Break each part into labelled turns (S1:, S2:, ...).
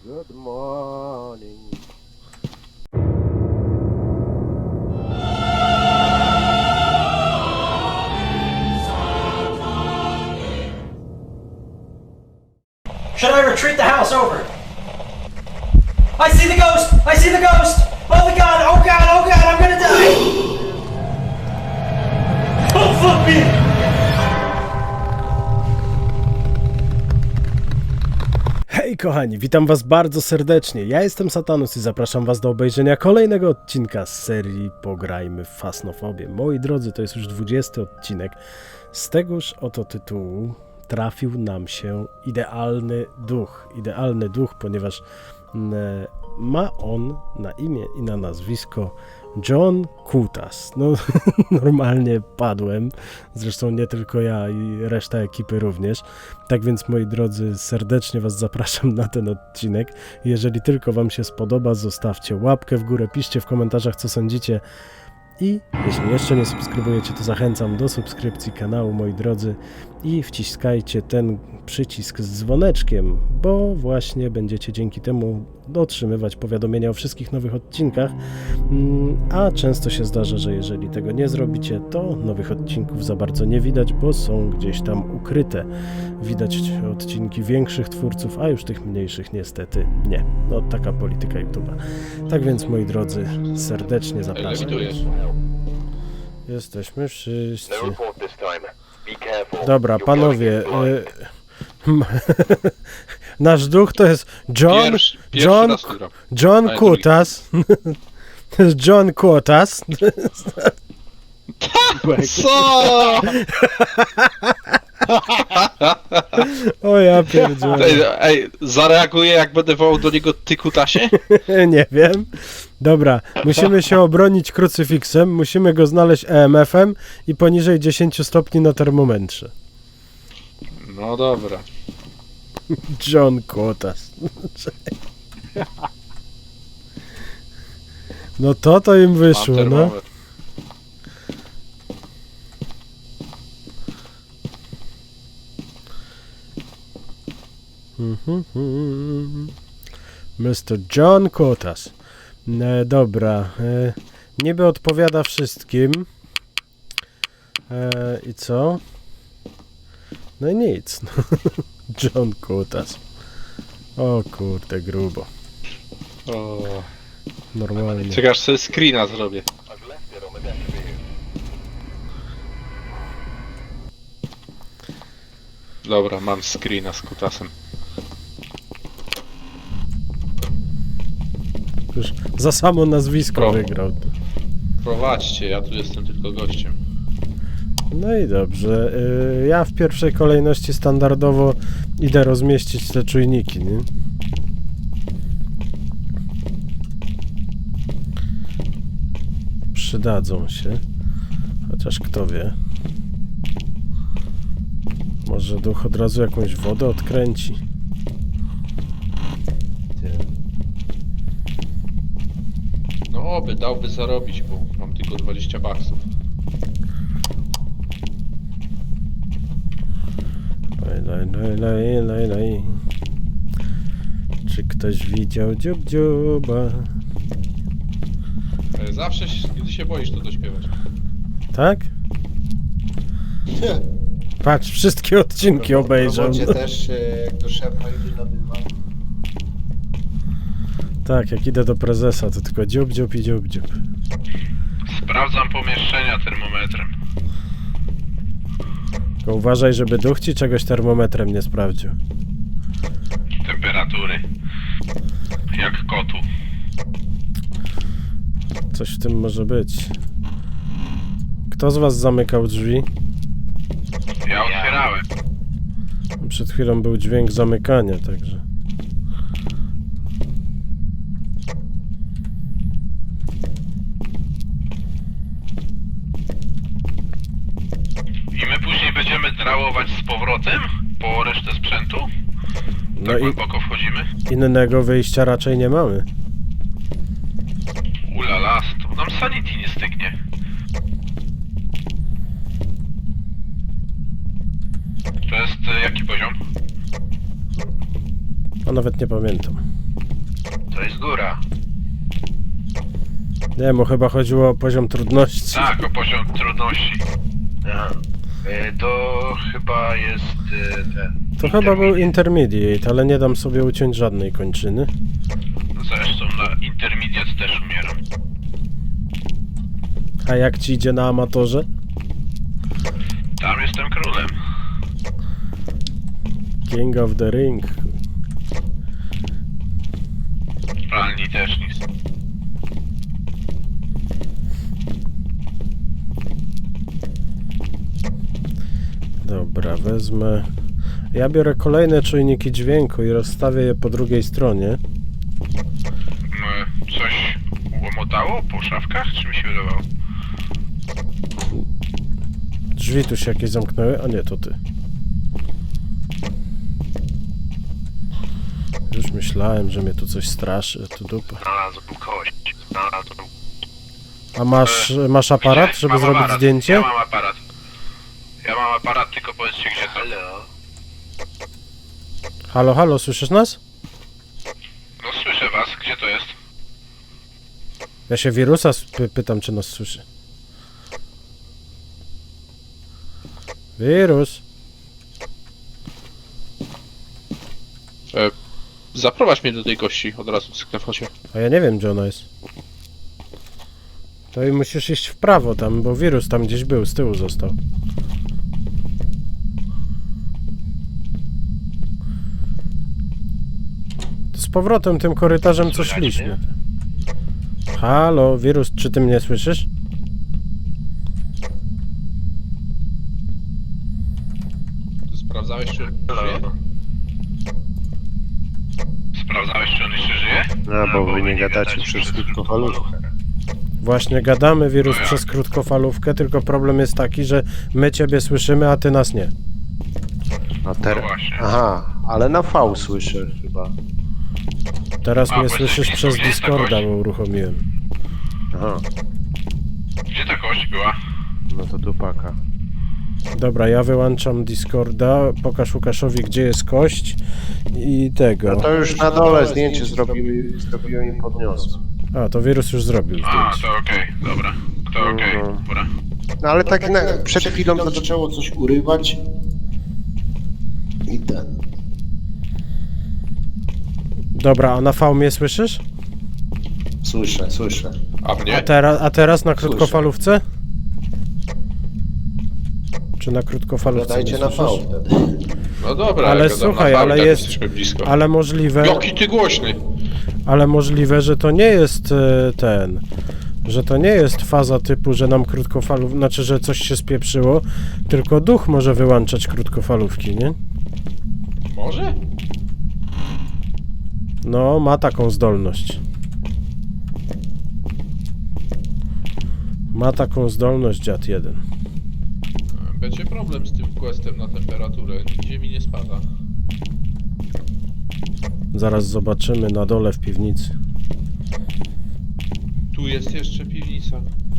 S1: Good morning.
S2: Should I retreat the house over? I see the ghost! I see the ghost! Oh my god! Oh god! Oh god! I'm gonna die! Oh fuck me!
S3: Hej kochani, witam was bardzo serdecznie. Ja jestem Satanus i zapraszam was do obejrzenia kolejnego odcinka z serii Pograjmy w Fasnofobię. Moi drodzy, to jest już 20 odcinek. Z tegoż oto tytułu trafił nam się idealny duch, ponieważ ma on na imię i na nazwisko John Kutas. No normalnie padłem, zresztą nie tylko ja i reszta ekipy również. Tak więc moi drodzy, serdecznie was zapraszam na ten odcinek. Jeżeli tylko wam się spodoba, zostawcie łapkę w górę, piszcie w komentarzach co sądzicie. I jeśli jeszcze nie subskrybujecie, to zachęcam do subskrypcji kanału, moi drodzy, i wciskajcie ten przycisk z dzwoneczkiem, bo właśnie będziecie dzięki temu otrzymywać powiadomienia o wszystkich nowych odcinkach, a często się zdarza, że jeżeli tego nie zrobicie, to nowych odcinków za bardzo nie widać, bo są gdzieś tam ukryte. Widać odcinki większych twórców, a już tych mniejszych niestety nie. No taka polityka YouTube'a. Tak więc moi drodzy, serdecznie zapraszam. Jesteśmy wszyscy. Dobra, panowie. Nasz duch to jest John Kutas. To jest John Kutas.
S4: Co?
S3: O ja pierdzielę.
S4: Ej, zareaguję jak będę wołał do niego ty kutasie?
S3: Nie wiem. Dobra, musimy się obronić krucyfiksem, musimy go znaleźć EMF-em i poniżej 10 stopni na termometrze.
S4: No dobra.
S3: John Kutas. No to im
S4: Mam
S3: wyszło, no.
S4: termometr.
S3: Mr. John Kutas. Dobra. Niby odpowiada wszystkim. I co? No i nic. John Kutas. O kurde, grubo.
S4: O,
S3: Normalnie.
S4: czekasz, sobie screena zrobię. Dobra, mam screena z kutasem.
S3: Już za samo nazwisko
S4: Pro.
S3: wygrał.
S4: Prowadźcie, ja tu jestem tylko gościem.
S3: No i dobrze. Ja w pierwszej kolejności standardowo idę rozmieścić te czujniki, nie? Przydadzą się. Chociaż kto wie. Może duch od razu jakąś wodę odkręci.
S4: No oby, dałby zarobić, bo mam tylko 20 baksów.
S3: Laj. Czy ktoś widział dziuba?
S4: Zawsze, gdy się boisz, to dośpiewać.
S3: Tak? Patrz, wszystkie odcinki obejrzał.
S1: W robocie też, jak do szefa idę na dywan.
S3: Tak, jak idę do prezesa, to tylko dziób.
S4: Sprawdzam pomieszczenia termometrem.
S3: Tylko uważaj, żeby duch ci czegoś termometrem nie sprawdził.
S4: Temperatury. Jak kotu.
S3: Coś w tym może być. Kto z was zamykał drzwi?
S4: Ja otwierałem.
S3: Przed chwilą był dźwięk zamykania, także...
S4: I my później będziemy drałować z powrotem po resztę sprzętu?
S3: No
S4: Tak
S3: i
S4: głęboko wchodzimy?
S3: innego wyjścia raczej nie mamy.
S4: Ulala, to nam sanity nie stygnie. To jest jaki poziom?
S3: A nawet nie pamiętam.
S5: To jest góra.
S3: Nie, bo chyba chodziło o poziom trudności.
S5: Tak, o poziom trudności. Aha. To chyba jest ten...
S3: To chyba był intermediate, ale nie dam sobie uciąć żadnej kończyny.
S5: Zresztą na intermediate też umieram.
S3: A jak ci idzie na amatorze?
S5: Tam jestem królem.
S3: King of the Ring.
S5: Pralni też nic.
S3: Dobra, wezmę... Ja biorę kolejne czujniki dźwięku i rozstawię je po drugiej stronie.
S5: Coś łomotało po szafkach, czy mi się wydawało?
S3: Drzwi tu się jakieś zamknęły, a nie, to ty. Już myślałem, że mnie tu coś straszy, tu dupa.
S5: Znalazłem kość. Znalazłem...
S3: A masz aparat, żeby
S5: Mam
S3: zrobić
S5: aparat.
S3: zdjęcie?
S5: Ja mam aparat. Ja mam aparat, tylko powiedzcie gdzie to. Halo?
S3: Halo, halo, słyszysz nas?
S5: No słyszę was, gdzie to jest?
S3: Ja się wirusa pytam, czy nas słyszy. Wirus.
S4: Zaprowadź mnie do tej kości, od razu cyknę w chocie.
S3: A ja nie wiem, gdzie ona jest. To i musisz iść w prawo tam, bo wirus tam gdzieś był, z tyłu został. To z powrotem tym korytarzem co
S5: Słychać
S3: szliśmy.
S5: mnie?
S3: Halo, wirus, czy ty mnie słyszysz?
S4: Ty sprawdzałeś, czy żyje?
S5: Sprawdzałeś, czy on jeszcze żyje?
S1: No, bo wy nie gadacie przez krótkofalówkę.
S3: Właśnie gadamy, wirus,
S5: No jak?
S3: przez krótkofalówkę, tylko problem jest taki, że my ciebie słyszymy, a ty nas nie.
S1: No
S5: No właśnie.
S1: Aha, ale na V słyszę chyba.
S3: Teraz
S5: A,
S3: mnie
S5: bo
S3: słyszysz
S5: jesteś
S3: przez
S5: nie jest ta
S3: Discorda,
S5: kość.
S3: bo uruchomiłem.
S1: Aha,
S5: Gdzie ta kość była?
S1: no to dupaka.
S3: Dobra, ja wyłączam Discorda, pokaż Łukaszowi, gdzie jest kość i tego.
S1: No to już na dole zdjęcie zrobiłem i podniosłem.
S3: A, to wirus już zrobił
S5: A,
S3: zdjęcie.
S5: to okej, dobra. To okej,
S1: No.
S5: dobra.
S1: No ale tak przed chwilą zaczęło coś urywać. I ten.
S3: Dobra, a na V mnie słyszysz?
S1: Słyszę.
S4: A mnie?
S3: A teraz na krótkofalówce? Czy na krótkofalówce
S1: Dajcie
S3: mnie
S1: na V
S3: słyszysz?
S1: wtedy.
S4: No dobra,
S3: Ale
S4: ja gadam
S3: słuchaj,
S4: na
S3: ale
S4: fałdach,
S3: jest-
S4: jesteśmy blisko.
S3: Ale możliwe,
S4: Jaki ty głośny!
S3: że to nie jest ten... Że to nie jest faza typu, że nam krótkofalów... Znaczy, że coś się spieprzyło, tylko duch może wyłączać krótkofalówki, nie?
S4: Może?
S3: No, ma taką zdolność. Ma taką zdolność dziad jeden.
S4: Będzie problem z tym questem na temperaturę. Nigdzie mi nie spada.
S3: Zaraz zobaczymy na dole w piwnicy.
S4: Tu jest jeszcze piwnica.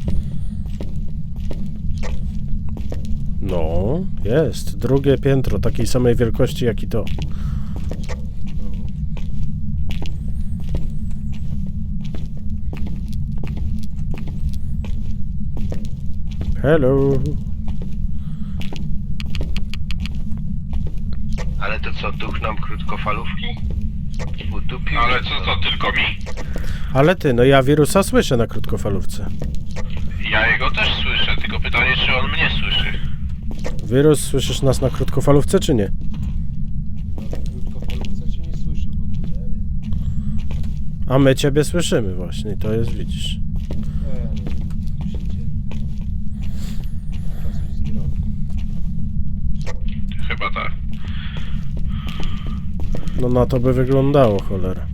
S3: No, jest. Drugie piętro, takiej samej wielkości jak i to. Hello.
S5: Ale to co, duch nam krótkofalówki? Udupił? Ale co to, tylko mi?
S3: Ale ty, no ja wirusa słyszę na krótkofalówce.
S5: Ja jego też słyszę, tylko pytanie, czy on mnie słyszy.
S3: Wirus, słyszysz nas na krótkofalówce, czy nie?
S1: Krótkofalówce cię nie słyszę w ogóle.
S3: A my ciebie słyszymy właśnie, to jest, widzisz.
S5: Chyba tak.
S3: No na to by wyglądało, cholera.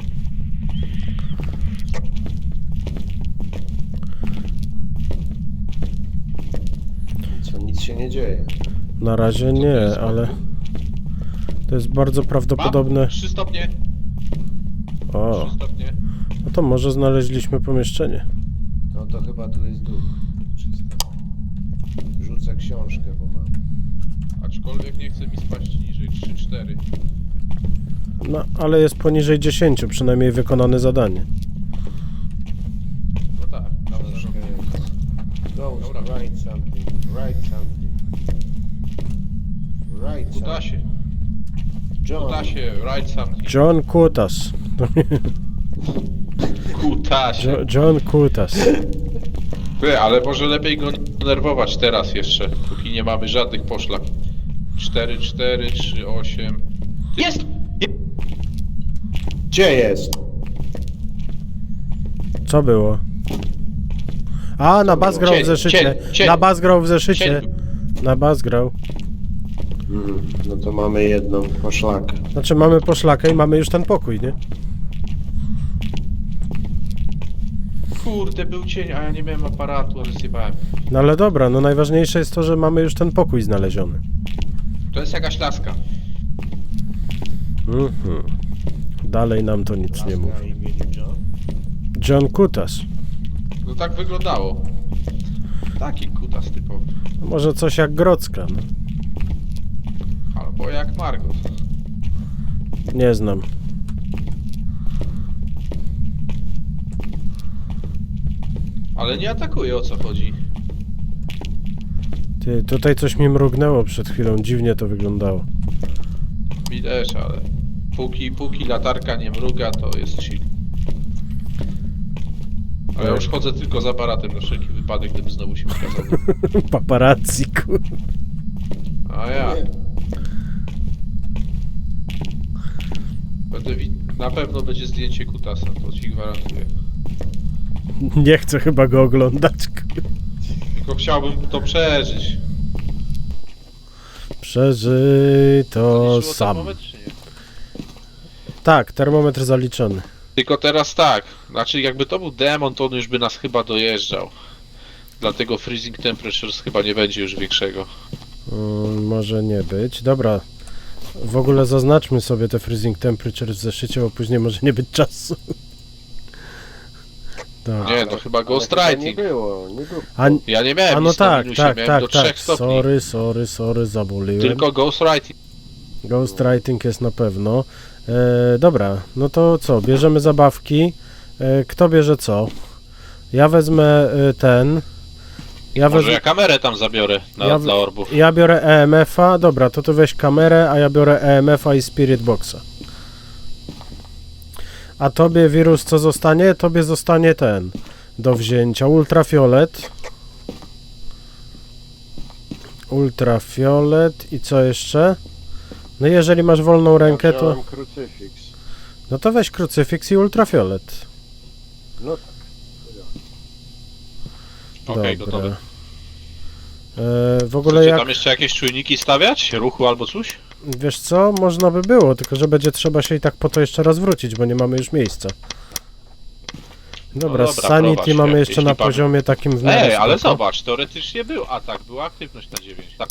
S1: Co, nic się nie dzieje.
S3: Na razie nie, ale... To jest bardzo prawdopodobne...
S4: 3 stopnie.
S3: O,
S4: 3 stopnie.
S3: no to może znaleźliśmy pomieszczenie.
S1: No to chyba tu jest duch. Czysto. Rzucę książkę, bo mam.
S4: Aczkolwiek nie chce mi spaść niżej. 3-4.
S3: No, ale jest poniżej 10, przynajmniej wykonane zadanie.
S4: No tak, dobra, zrobię.
S1: Ghost,
S4: Dobra.
S1: write something, write something. Write something.
S4: Kutasie,
S1: John.
S4: kutasie, write something.
S3: John Kutas.
S4: Kutasie.
S3: John Kutas.
S4: Ty, ale może lepiej go nerwować teraz jeszcze, póki nie mamy żadnych poszlak. 4, 4, 3, 8. Jest!
S1: Gdzie jest?
S3: Co było? A, na bas grał w
S4: Cień,
S3: zeszycie.
S4: cień.
S3: Na bas grał w zeszycie.
S4: Cień.
S3: Na bas grał.
S1: No to mamy jedną poszlakę.
S3: Znaczy mamy poszlakę i mamy już ten pokój, nie?
S4: Kurde, był cień, a ja nie miałem aparatu, ale zjebałem.
S3: No ale dobra, no najważniejsze jest to, że mamy już ten pokój znaleziony.
S4: To jest jakaś laska.
S3: Mhm. Dalej nam to nic nie mówi.
S1: Na imieniu John?
S3: John Kutas.
S4: No tak wyglądało. Taki kutas typowy.
S3: No może coś jak Grodzka, no.
S4: Albo jak Margot.
S3: Nie znam.
S4: Ale nie atakuje, o co chodzi.
S3: Ty, tutaj coś mi mrugnęło przed chwilą, dziwnie to wyglądało.
S4: Mi też, ale póki latarka nie mruga, to jest chill. Ale ja już chodzę tylko z aparatem na wszelki wypadek, gdyby znowu się ukazał.
S3: Paparazzi, kur...
S4: A ja. Na pewno będzie zdjęcie kutasa, to ci gwarantuję.
S3: Nie chcę chyba go oglądać.
S4: Tylko chciałbym to przeżyć.
S3: Przeżyj to
S4: Zaliczyło
S3: sam.
S4: termometr, czy nie?
S3: Tak, termometr zaliczony.
S4: Tylko teraz tak, znaczy jakby to był demon, to on już by nas chyba dojeżdżał. Dlatego freezing temperatures chyba nie będzie już większego.
S3: Może nie być. Dobra. W ogóle zaznaczmy sobie te freezing temperature w zeszycie, bo później może nie być czasu. Dobra.
S4: Nie, no chyba Ghost
S1: Ale chyba
S4: Writing.
S1: Nie było, nie było.
S4: Ja nie miałem
S3: A no
S4: nic na
S3: tak,
S4: minusie,
S3: tak,
S4: miałem
S3: tak,
S4: do 3
S3: tak.
S4: stopni.
S3: Sorry, zabuliłem.
S4: Tylko Ghost Writing.
S3: Ghostwriting jest na pewno. Dobra, no to co? Bierzemy zabawki. Kto bierze co? Ja wezmę ten.
S4: Może ja kamerę tam zabiorę dla orbów.
S3: Ja biorę EMF-a. Dobra, to ty weź kamerę, a ja biorę EMF-a i Spirit Boxa. A tobie wirus co zostanie? Tobie zostanie ten. Do wzięcia. Ultrafiolet. Ultrafiolet i co jeszcze? No jeżeli masz wolną rękę, to...
S1: Wziąłem krucyfiks.
S3: No to weź krucyfiks i ultrafiolet.
S1: No
S4: Okej,
S3: Dobra.
S4: gotowe.
S3: W ogóle
S4: Chcecie
S3: jak...
S4: tam jeszcze jakieś czujniki stawiać? Ruchu albo coś?
S3: Wiesz co? Można by było, tylko że będzie trzeba się i tak po to jeszcze raz wrócić, bo nie mamy już miejsca. Dobra,
S4: dobra,
S3: Sanity
S4: prowadź,
S3: mamy jeszcze
S4: jeśli
S3: na
S4: pan-
S3: poziomie takim w miarę
S4: Ej, ale
S3: spoko.
S4: zobacz, teoretycznie był atak, była aktywność na 9. Tak.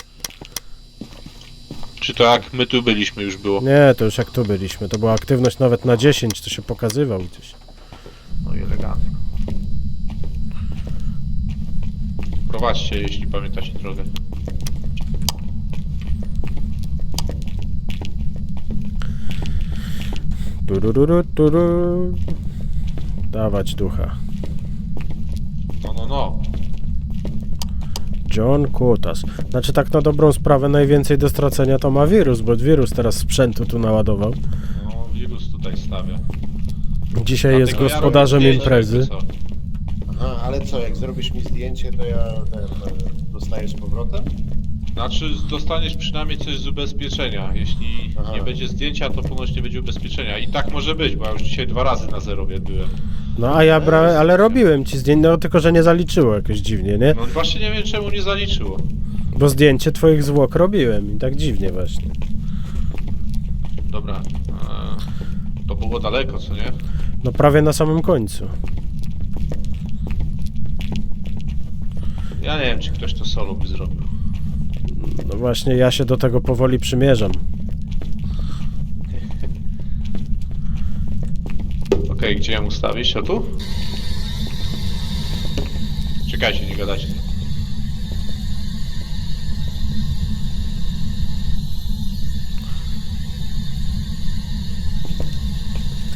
S4: Czy to jak my tu byliśmy już było?
S3: Nie, to już jak tu byliśmy. To była aktywność nawet na 10, to się pokazywał gdzieś.
S4: No i elegancko. Prowadźcie, jeśli pamiętacie drogę.
S3: Turururu. Dawać ducha.
S4: No.
S3: John Kutas. Znaczy tak na dobrą sprawę najwięcej do stracenia to ma wirus, bo wirus teraz sprzętu tu naładował.
S4: No, wirus tutaj stawia.
S3: Dzisiaj jest
S4: Dlatego
S3: gospodarzem
S4: ja robię
S3: imprezy.
S4: zdjęcie, jakby co.
S1: Aha, ale co, jak zrobisz mi zdjęcie, to ja dostaję z powrotem?
S4: Znaczy, dostaniesz przynajmniej coś z ubezpieczenia. Jeśli
S1: Aha.
S4: nie będzie zdjęcia, to ponoć nie będzie ubezpieczenia. I tak może być, bo ja już dzisiaj 2 razy na zerowie byłem.
S3: No a ja brałem, ale robiłem ci zdjęcie, no tylko że nie zaliczyło jakoś dziwnie, nie?
S4: No właśnie nie wiem, czemu nie zaliczyło.
S3: Bo zdjęcie twoich zwłok robiłem i tak dziwnie właśnie.
S4: Dobra. To było daleko, co nie?
S3: No prawie na samym końcu.
S4: Ja nie wiem, czy ktoś to solo by zrobił.
S3: No właśnie ja się do tego powoli przymierzam.
S4: Okej, gdzie ją ustawić? O tu? Czekajcie, nie gadajcie.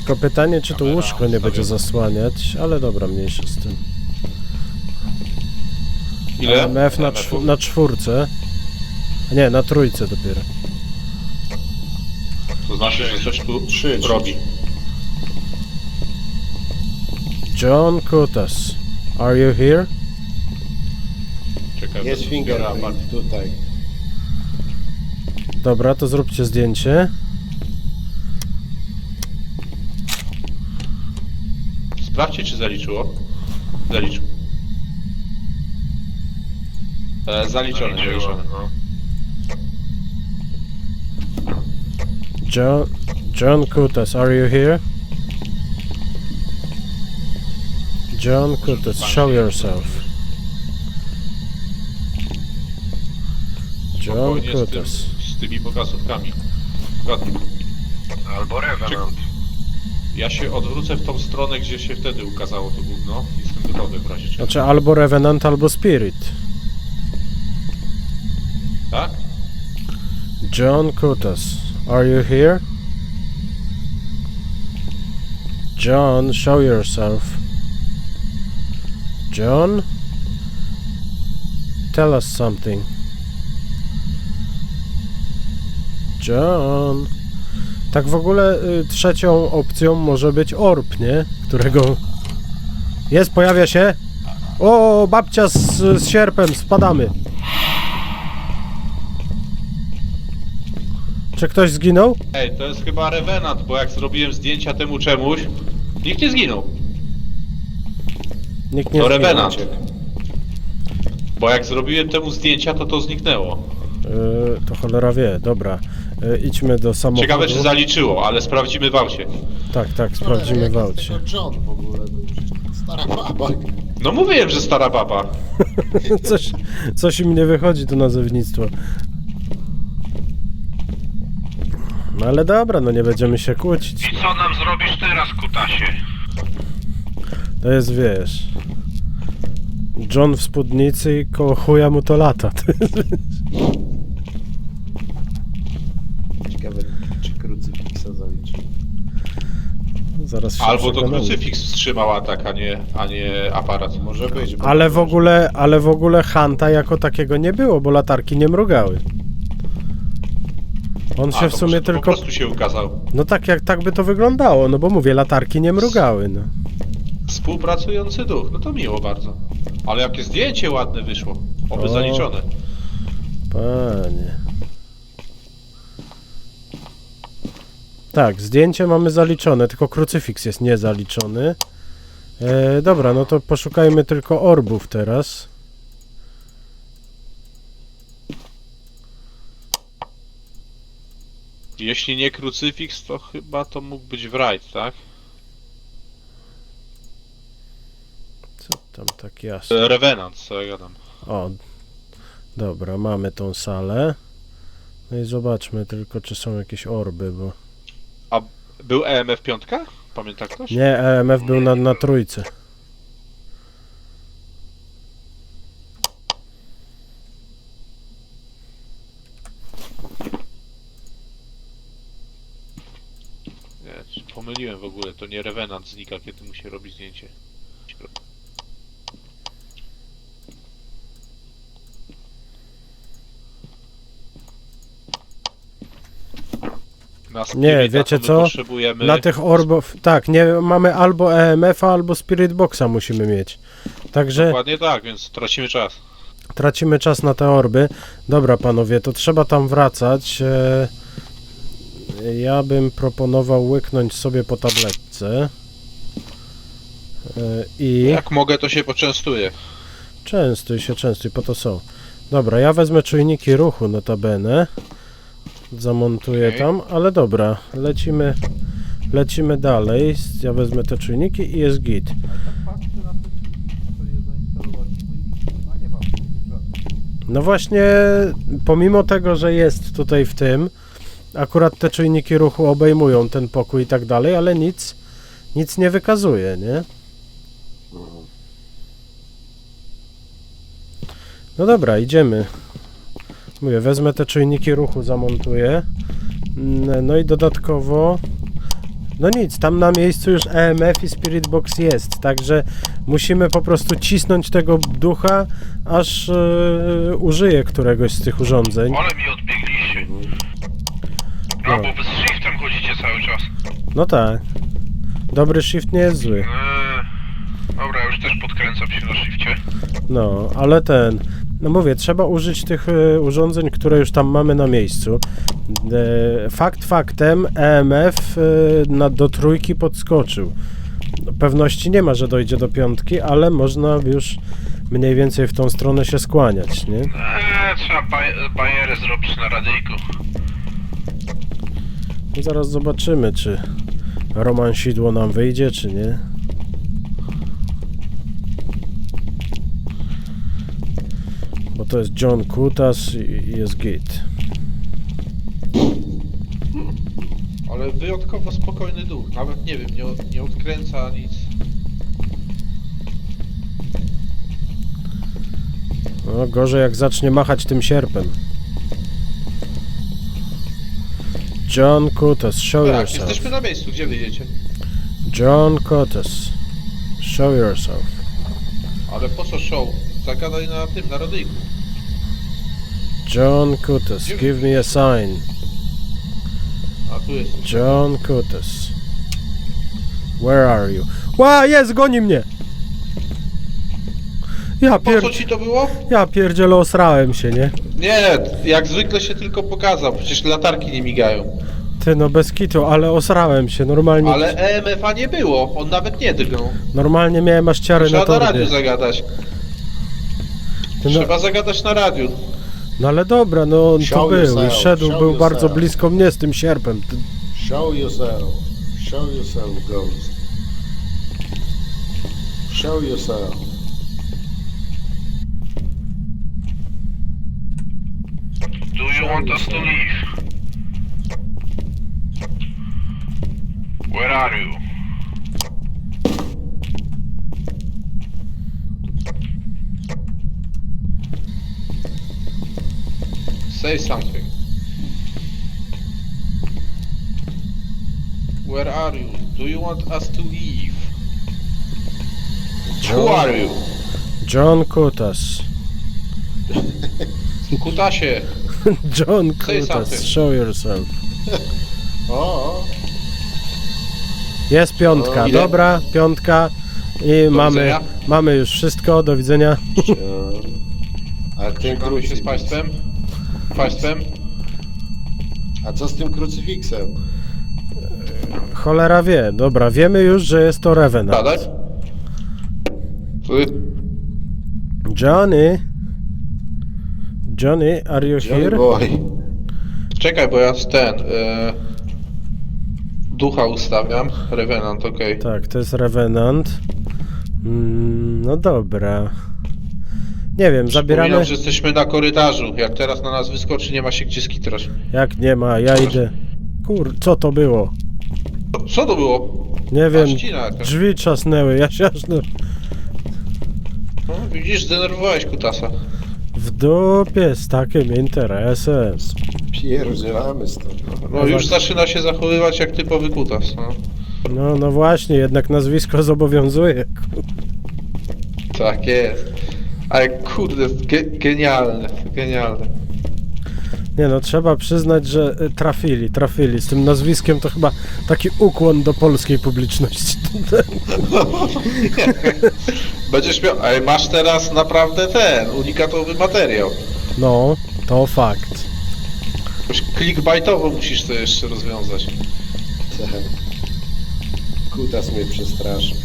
S3: Tylko pytanie, czy to
S4: Kamera
S3: łóżko nie będzie
S4: ustawiona.
S3: zasłaniać, ale dobra, mniejsza z tym.
S4: Ile?
S3: EMF na czwórce. A nie, na trójce dopiero.
S4: To znaczy, że coś tu
S1: Trzy.
S4: robi.
S3: John Kutas, are you here?
S4: Czekaj,
S1: Jest
S4: bo
S1: fingerprint tutaj.
S3: Dobra, to zróbcie zdjęcie.
S4: Sprawdźcie, czy zaliczyło. Zaliczył. Zaliczone, zaliczone.
S5: No.
S3: John Kutas, are you here? John Kutas, show yourself. John
S4: Spokojnie
S3: Kutas.
S4: z tymi pokazówkami. Zgodnie.
S5: Albo Revenant.
S4: Ja się odwrócę w tą stronę, gdzie się wtedy ukazało to gówno. Jestem gotowy w razie czego.
S3: Znaczy albo Revenant, albo Spirit.
S4: Tak?
S3: John Kutas, are you here? John, show yourself. John? Tell us something. John. Tak w ogóle trzecią opcją może być orb, nie? Którego... Jest, pojawia się. O, babcia z sierpem, spadamy. Czy ktoś zginął?
S4: Ej, to jest chyba Revenant, bo jak zrobiłem zdjęcia temu czemuś, nikt nie zginął.
S3: Nikt nie
S4: To
S3: zginął.
S4: Revenant. Bo jak zrobiłem temu zdjęcia, to zniknęło.
S3: To cholera wie, dobra. Idźmy do samochodu.
S4: Ciekawe, czy zaliczyło, ale sprawdzimy w aucie.
S3: Tak, sprawdzimy w aucie.
S1: Tylko John w ogóle był. Stara baba.
S4: No mówiłem, że stara baba.
S3: Coś im nie wychodzi to nazewnictwo. No ale dobra, no nie będziemy się kłócić.
S5: I co nam zrobisz teraz, Kutasie?
S3: To jest, wiesz... John w spódnicy i koło chuja mu to lata.
S1: Ciekawe, czy krucyfiksa zaliczy.
S3: Zaraz się
S4: Albo to
S3: przekonamy.
S4: krucyfiks wstrzymał atak, a nie aparat.
S1: Może być. bo-
S3: Ale w ogóle Hanta jako takiego nie było, bo latarki nie mrugały. On się
S4: A,
S3: w
S4: to
S3: sumie
S4: może
S3: tylko...
S4: po prostu się ukazał.
S3: No tak by to wyglądało, no bo mówię, latarki nie mrugały, no.
S4: Współpracujący duch, no to miło bardzo. Ale jakie zdjęcie ładne wyszło. Oby
S3: O.
S4: zaliczone.
S3: Panie. Tak, zdjęcie mamy zaliczone, tylko krucyfiks jest niezaliczony. Dobra, no to poszukajmy tylko orbów teraz.
S4: Jeśli nie krucyfiks, to chyba to mógł być Wright, tak?
S3: Co tam tak jasno?
S4: Revenant, co ja gadam.
S3: O, dobra, mamy tą salę. No i zobaczmy tylko, czy są jakieś orby, bo...
S4: A był EMF 5? Pamięta ktoś?
S3: Nie, EMF był na trójce.
S4: Nie, pomyliłem w ogóle, to nie Revenant znika, kiedy mu się robi zdjęcie. Na
S3: Nie,
S4: Spirita
S3: wiecie
S4: to my
S3: co?
S4: potrzebujemy...
S3: Dla tych orbów... Tak, nie, mamy albo EMF-a, albo Spirit Boxa musimy mieć. Także
S4: Dokładnie tak, więc tracimy czas.
S3: tracimy czas na te orby. Dobra, panowie, to trzeba tam wracać. Ja bym proponował łyknąć sobie po tabletce. I...
S4: Jak mogę, to się poczęstuję.
S3: Częstuj, po to są. Dobra, ja wezmę czujniki ruchu notabene. Zamontuję
S4: Okej.
S3: tam, ale dobra, lecimy dalej. Ja wezmę te czujniki i jest git. No właśnie, pomimo tego, że jest tutaj w tym, akurat te czujniki ruchu obejmują ten pokój i tak dalej, ale nic nie wykazuje, nie? No dobra, idziemy. Mówię, wezmę te czujniki ruchu, zamontuję. No i dodatkowo No nic, tam na miejscu już EMF i Spirit Box jest, także musimy po prostu cisnąć tego ducha, aż użyje któregoś z tych urządzeń.
S5: Ale mi odbiegliście. A, bo wy z shiftem chodzicie cały czas.
S3: No tak. Dobry shift nie jest zły.
S5: Dobra, ja już też podkręcam się na shifcie.
S3: No, ale no mówię, trzeba użyć tych urządzeń, które już tam mamy na miejscu. Fakt faktem, EMF do 3 podskoczył. Pewności nie ma, że dojdzie do 5, ale można już mniej więcej w tą stronę się skłaniać, nie?
S5: Trzeba bajerę zrobić na radyjku.
S3: I zaraz zobaczymy, czy romansidło nam wyjdzie, czy nie. Bo to jest John Kutas i jest git.
S4: Ale wyjątkowo spokojny duch. Nawet nie wiem, nie odkręca nic.
S3: No, gorzej jak zacznie machać tym sierpem. John Kutas, show
S4: Tak,
S3: yourself.
S4: jesteśmy na miejscu, gdzie wyjedziecie?
S3: John Kutas, show yourself.
S4: Ale po co show? Zagadaj na radyjku.
S3: John Kutas, give me a sign.
S4: A tu jest.
S3: John Kutas. Where are you? Ła, jest, goni mnie!
S4: Po co ci to było?
S3: Ja pierdzielę, osrałem się, nie?
S4: Nie, jak zwykle się tylko pokazał, przecież latarki nie migają.
S3: Ty, no bez kitu, ale osrałem się, normalnie.
S4: Ale EMF-a nie było, on nawet nie drgnął.
S3: Normalnie miałem aż ciary na
S4: Trzeba na
S3: torbie.
S4: radiu zagadać.
S3: Ty, no,
S4: Trzeba zagadać na radiu.
S3: no ale dobra, no on to
S1: Show
S3: był i
S1: yourself,
S3: szedł,
S1: show
S3: był bardzo
S1: yourself.
S3: blisko mnie z tym sierpem.
S1: Show yourself. Show yourself, ghost. Show yourself.
S5: Do you want us to leave? Where are you?
S4: Say something. Where are you? Do you want us to leave? Who are you?
S3: John Kutas.
S4: Kutasie.
S3: John
S4: Say
S3: Kutas,
S4: something.
S3: show yourself.
S1: O,
S3: Jest piątka,
S4: ile?
S3: dobra, piątka. I
S4: widzenia.
S3: mamy już wszystko, do widzenia.
S1: a ten
S4: Żegnamy się z
S1: krucyfiks.
S4: państwem.
S1: A co z tym krucyfiksem?
S3: Cholera wie, dobra, wiemy już, że jest to Revenant.
S4: Badać?
S3: Johnny? Johnny, are you
S1: Johnny
S3: here?
S1: boy.
S4: Czekaj, bo ja ducha ustawiam. Revenant, okej.
S3: Tak, to jest Revenant. No dobra. Nie wiem, zabieramy...
S4: Przypominam, że jesteśmy na korytarzu. Jak teraz na nas wyskoczy, nie ma się gdzie skitrać.
S3: Jak nie ma, ja idę. Co to było?
S4: Co to było?
S3: Nie wiem,
S4: ścina jakaś.
S3: drzwi trzasnęły, ja się aż...
S4: No, widzisz, zdenerwowałeś kutasa.
S3: W dupie z takim interesem.
S1: Pierdzielamy stąd.
S4: No już zaczyna się zachowywać jak typowy kutas. No.
S3: No właśnie, jednak nazwisko zobowiązuje.
S4: Tak jest. Ale kurde, genialne.
S3: Nie no, trzeba przyznać, że trafili. Z tym nazwiskiem to chyba taki ukłon do polskiej publiczności.
S4: Będziesz miał... Ej, masz teraz naprawdę unikatowy materiał.
S3: No, to fakt.
S4: Jakoś clickbaitowo musisz to jeszcze rozwiązać.
S1: Kutas mnie przestraszy.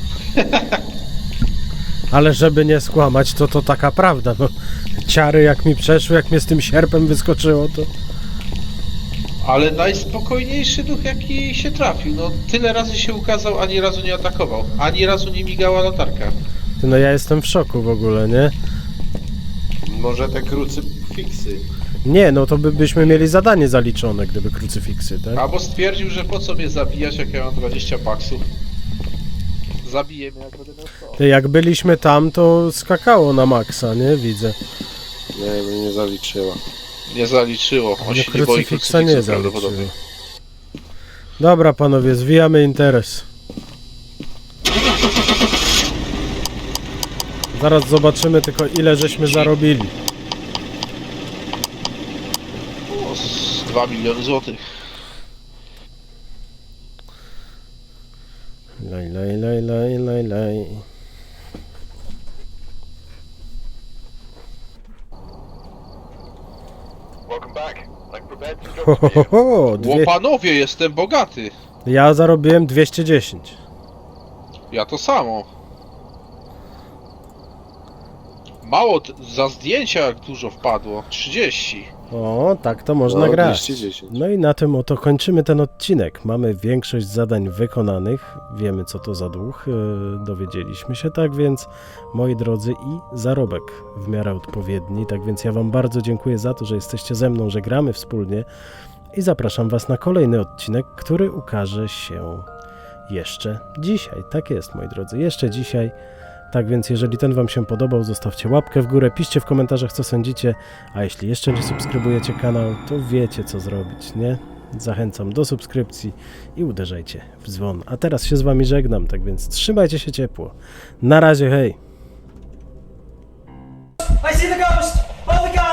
S3: Ale żeby nie skłamać, to taka prawda, no. Ciary jak mi przeszły, jak mnie z tym sierpem wyskoczyło, to...
S4: Ale najspokojniejszy duch jaki się trafił. No tyle razy się ukazał, ani razu nie atakował. Ani razu nie migała latarka.
S3: No ja jestem w szoku w ogóle, nie?
S1: Może te krucyfiksy.
S3: Nie, no to byśmy mieli zadanie zaliczone, gdyby krucyfiksy, tak?
S4: Albo stwierdził, że po co mnie zabijać, jak ja mam 20 baksów. Zabiję mnie, jak będę miał 100.
S3: Jak byliśmy tam, to skakało na maksa, nie? Widzę.
S1: Nie, mnie nie zaliczyła.
S4: Nie zaliczyło. On
S3: Ale
S4: się nie boi
S3: krucyfiksa nie
S4: krucyfiksu
S3: zaliczyło.
S4: prawdopodobnie.
S3: Dobra, panowie, zwijamy interes. Zaraz zobaczymy tylko, ile żeśmy zarobili.
S4: O, z 2 miliony złotych.
S3: Laj, laj, laj, laj, laj, laj. Ho, ho, ho, ho,
S4: Łopanowie, jestem bogaty.
S3: Ja zarobiłem 210.
S4: Ja to samo. Mało, za zdjęcia jak dużo wpadło. 30.
S3: O, tak to można
S1: No,
S3: grać.
S1: 210.
S3: No i na tym oto kończymy ten odcinek. Mamy większość zadań wykonanych. Wiemy, co to za duch. Dowiedzieliśmy się, tak więc, moi drodzy, i zarobek w miarę odpowiedni. Tak więc ja wam bardzo dziękuję za to, że jesteście ze mną, że gramy wspólnie i zapraszam was na kolejny odcinek, który ukaże się jeszcze dzisiaj. Tak jest, moi drodzy, jeszcze dzisiaj. Tak więc jeżeli ten wam się podobał, zostawcie łapkę w górę, piszcie w komentarzach, co sądzicie, a jeśli jeszcze nie subskrybujecie kanał, to wiecie, co zrobić, nie? Zachęcam do subskrypcji i uderzajcie w dzwon. A teraz się z wami żegnam, tak więc trzymajcie się ciepło. Na razie, hej!
S2: I see the ghost! Oh, the god!